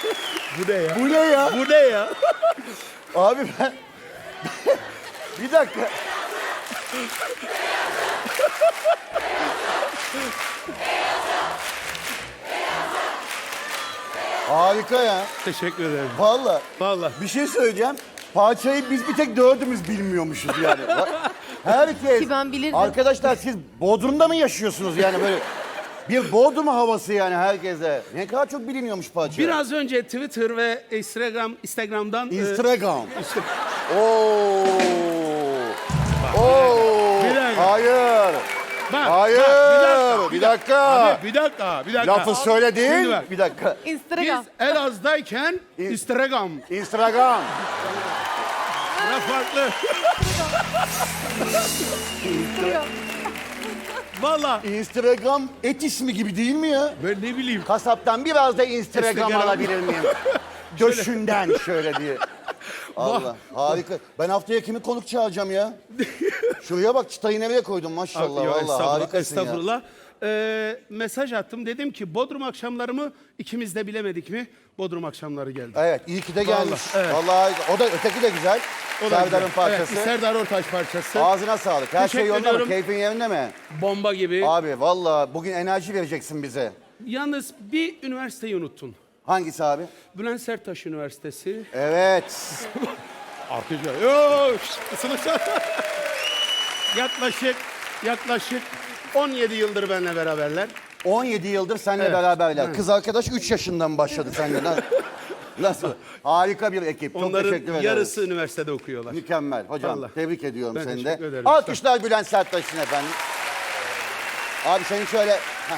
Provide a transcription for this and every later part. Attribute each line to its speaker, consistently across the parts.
Speaker 1: Bu ne ya?
Speaker 2: Bu ne ya?
Speaker 1: Bu ne ya?
Speaker 2: Abi ben... Bir dakika. Harika ya.
Speaker 1: Teşekkür ederim.
Speaker 2: Vallahi.
Speaker 1: Vallahi.
Speaker 2: Bir şey söyleyeceğim. Parçayı biz bir tek dördümüz bilmiyormuşuz yani. Herkes.
Speaker 3: Ki ben bilirdim.
Speaker 2: Arkadaşlar siz Bodrum'da mı yaşıyorsunuz yani böyle? Bir Bodrum havası yani herkese. Ne kadar çok biliniyormuş parça.
Speaker 1: Biraz önce Twitter ve Instagram'dan...
Speaker 2: Instagram.
Speaker 1: işte,
Speaker 2: Oo. Oo.
Speaker 1: Bir dakika.
Speaker 2: Hayır.
Speaker 1: bak,
Speaker 2: Hayır.
Speaker 1: bak,
Speaker 2: Bir dakika.
Speaker 1: Abi, bir dakika.
Speaker 2: Lafı
Speaker 1: Şimdi
Speaker 2: söyledin.
Speaker 1: bak.
Speaker 2: Bir dakika.
Speaker 1: Biz
Speaker 3: Instagram.
Speaker 1: Elazığ'dayken Instagram.
Speaker 2: Instagram.
Speaker 1: Ne farklı. Valla
Speaker 2: Instagram et ismi gibi değil mi ya?
Speaker 1: ben ne bileyim.
Speaker 2: Kasaptan biraz da Instagram
Speaker 1: Instagram.
Speaker 2: alabilir miyim? Döşünden şöyle diye. Allah harika. Ben haftaya kimi konuk çağıracağım ya? Şuraya bak çıtayı nereye koydum maşallah.
Speaker 1: Yok,
Speaker 2: Vallahi
Speaker 1: estağfurullah,
Speaker 2: harikasın ya.
Speaker 1: estağfurullah. Mesaj attım. Dedim ki Bodrum akşamlarımı ikimiz de bilemedik mi? Bodrum akşamları geldi.
Speaker 2: Evet iyi ki de gelmiş.
Speaker 1: Vallahi, evet.
Speaker 2: Vallahi harika. O da öteki de güzel.
Speaker 1: O da
Speaker 2: Serdar'ın
Speaker 1: güzel.
Speaker 2: parçası.
Speaker 1: Evet, Serdar Ortaç parçası.
Speaker 2: Ağzına sağlık. Her şey
Speaker 1: Teşekkür
Speaker 2: yolunda mı?
Speaker 1: ediyorum.
Speaker 2: Keyfin yerinde mi?
Speaker 1: Bomba gibi.
Speaker 2: Abi vallahi bugün enerji vereceksin bize.
Speaker 1: Yalnız bir üniversiteyi unuttun.
Speaker 2: Hangisi abi?
Speaker 1: Bülent Serttaş Üniversitesi.
Speaker 2: Evet.
Speaker 1: Arkadaşlar. Yok. Sınıfta. yaklaşık 17 yıldır benimle beraberler.
Speaker 2: 17 yıldır seninle
Speaker 1: Evet.
Speaker 2: beraberler.
Speaker 1: Evet.
Speaker 2: Kız arkadaş 3 yaşından başladı seninle. Nasıl? Harika bir ekip. Çok teşekkür
Speaker 1: Onların
Speaker 2: ederiz.
Speaker 1: yarısı üniversitede okuyorlar.
Speaker 2: Mükemmel. Hocam
Speaker 1: Vallahi.
Speaker 2: tebrik ediyorum
Speaker 1: Ben
Speaker 2: seni de.
Speaker 1: teşekkür ederim.
Speaker 2: Alkışlar Bülent Serttaş için efendim. Abi seni şöyle... Heh.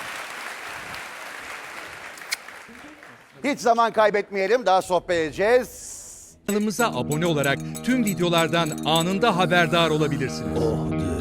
Speaker 2: Hiç zaman kaybetmeyelim. Daha sohbet edeceğiz.
Speaker 4: Kanalımıza abone olarak tüm videolardan anında haberdar olabilirsiniz.